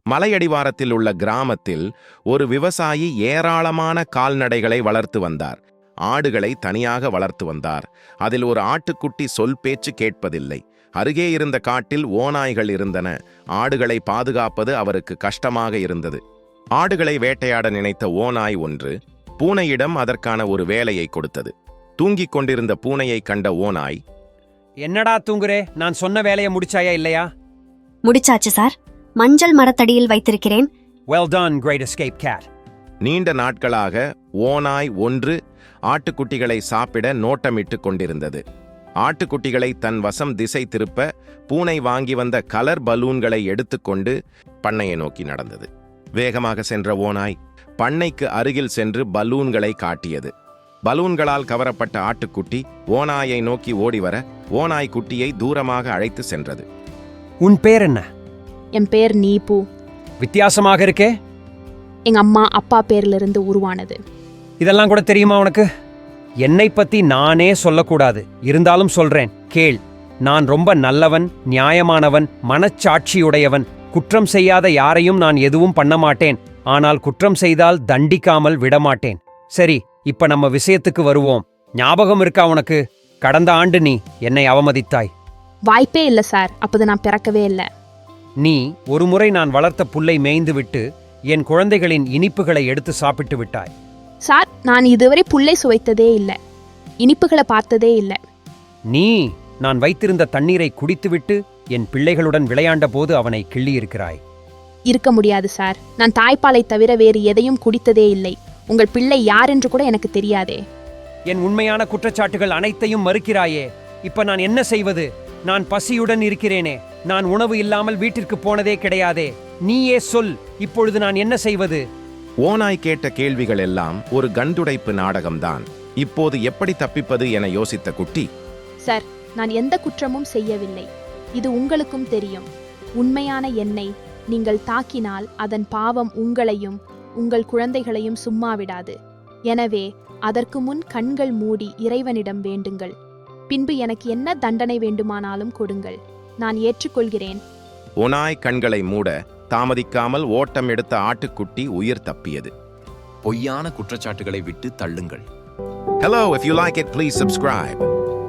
மலையடிவாரத்தில் உள்ள கிராமத்தில் ஒரு விவசாயி ஏராளமான கால்நடைகளை வளர்த்து வந்தார். ஆடுகளை தனியாக வளர்த்து வந்தார். அதில் ஒரு ஆட்டுக்குட்டி சொல் பேச்சு கேட்பதில்லை. அருகே இருந்த காட்டில் ஓநாய்கள் இருந்தன. ஆடுகளை பாதுகாப்பது அவருக்கு கஷ்டமாக இருந்தது. ஆடுகளை வேட்டையாட நினைத்த ஓநாய் ஒன்று பூனையிடம் அதற்கான ஒரு வேலையை கொடுத்தது. தூங்கிக் கொண்டிருந்த பூனையை கண்ட ஓநாய், என்னடா தூங்குறே, நான் சொன்ன வேலையை முடிச்சாயா இல்லையா? முடிச்சாச்சு சார், மஞ்சள் மரத்தடியில் வைத்திருக்கிறேன். Well done, great escape cat. நீண்ட நாட்களாக ஓநாய் ஒன்று ஆட்டுக்குட்டிகளை சாப்பிட நோட்டமிட்டு கொண்டிருந்தது. ஆட்டுக்குட்டிகளை தன் வசம் திசை திருப்ப பூனை வாங்கி வந்த கலர் பலூன்களை எடுத்துக்கொண்டு பண்ணையை நோக்கி நடந்தது. வேகமாக சென்ற ஓநாய் பண்ணைக்கு அருகில் சென்று பலூன்களை காட்டியது. பலூன்களால் கவரப்பட்ட ஆட்டுக்குட்டி ஓநாயை நோக்கி ஓடிவர ஓநாய் குட்டியை தூரமாக அழைத்து சென்றது. உன் பேர் என்ன? என் பேர் நீபு. வித்தியாசமாக இருக்கே. எங்க அம்மா அப்பா பேர்லிருந்து உருவானது. இதெல்லாம் கூட தெரியுமா உனக்கு? என்னை பத்தி நானே சொல்லக்கூடாது, இருந்தாலும் சொல்றேன் கேள். நான் ரொம்ப நல்லவன், நியாயமானவன், மனச்சாட்சியுடையவன். குற்றம் செய்யாத யாரையும் நான் எதுவும் பண்ண மாட்டேன். ஆனால் குற்றம் செய்தால் தண்டிக்காமல் விடமாட்டேன். சரி, இப்ப நம்ம விஷயத்துக்கு வருவோம். ஞாபகம் இருக்கா உனக்கு? கடந்த ஆண்டு நீ என்னை அவமதித்தாய். வாய்ப்பே இல்ல சார், அப்போது நான் பிறக்கவே இல்லை. நீ ஒருமுறை நான் வளர்த்த புல்லை மேய்ந்து விட்டு என் குழந்தைகளின் இனிப்புகளை எடுத்து சாப்பிட்டு விட்டாய். சார், நான் இதுவரை புல்லை சுவைத்ததே இல்லை, இனிப்புகளை பார்த்ததே இல்லை. நீ நான் வைத்திருந்த தண்ணீரை குடித்துவிட்டு என் பிள்ளைகளுடன் விளையாண்ட போது அவனை கிள்ளியிருக்கிறாய். இருக்க முடியாது சார், நான் தாய்ப்பாலை தவிர வேறு எதையும் குடித்ததே இல்லை. உங்கள் பிள்ளை யார் என்று கூட எனக்கு தெரியாதே. என் உண்மையான குற்றச்சாட்டுகள் அனைத்தையும் மறுக்கிறாயே. இப்ப நான் என்ன செய்வது? நான் பசியுடன் இருக்கிறேனே. நான் உணவு இல்லாமல் வீட்டிற்கு போனதே கிடையாதே. நீயே சொல், இப்பொழுது நான் என்ன செய்வது? ஓநாய் கேட்ட கேள்விகள் எல்லாம் ஒரு கண்டுடைப்பு நாடகம்தான். இப்போது எப்படி தப்பிப்பது என யோசித்த குட்டி, சார், நான் எந்த குற்றமும் செய்யவில்லை. இது உங்களுக்கும் தெரியும். உண்மையான என்னை நீங்கள் தாக்கினால் அதன் பாவம் உங்களையும் உங்கள் குழந்தைகளையும் சும்மா விடாது. எனவே அதற்கு முன் கண்கள் மூடி இறைவனிடம் வேண்டுங்கள். பின்பு எனக்கு என்ன தண்டனை வேண்டுமானாலும் கொடுங்கள், நான் ஏற்றுக்கொள்கிறேன். ஓநாய் கண்களை மூட தாமதிக்காமல் ஓட்டம் எடுத்த ஆட்டுக்குட்டி உயிர் தப்பியது. பொய்யான குற்றச்சாட்டுகளை விட்டு தள்ளுங்கள். Hello, if you like it, please subscribe.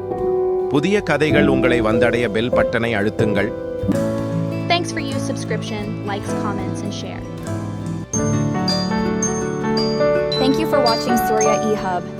புதிய கதைகள் உங்களை வந்தடைய பெல் பட்டனை அழுத்துங்கள். Thanks for your subscription, likes, comments and share. Thank you for watching Surya eHub.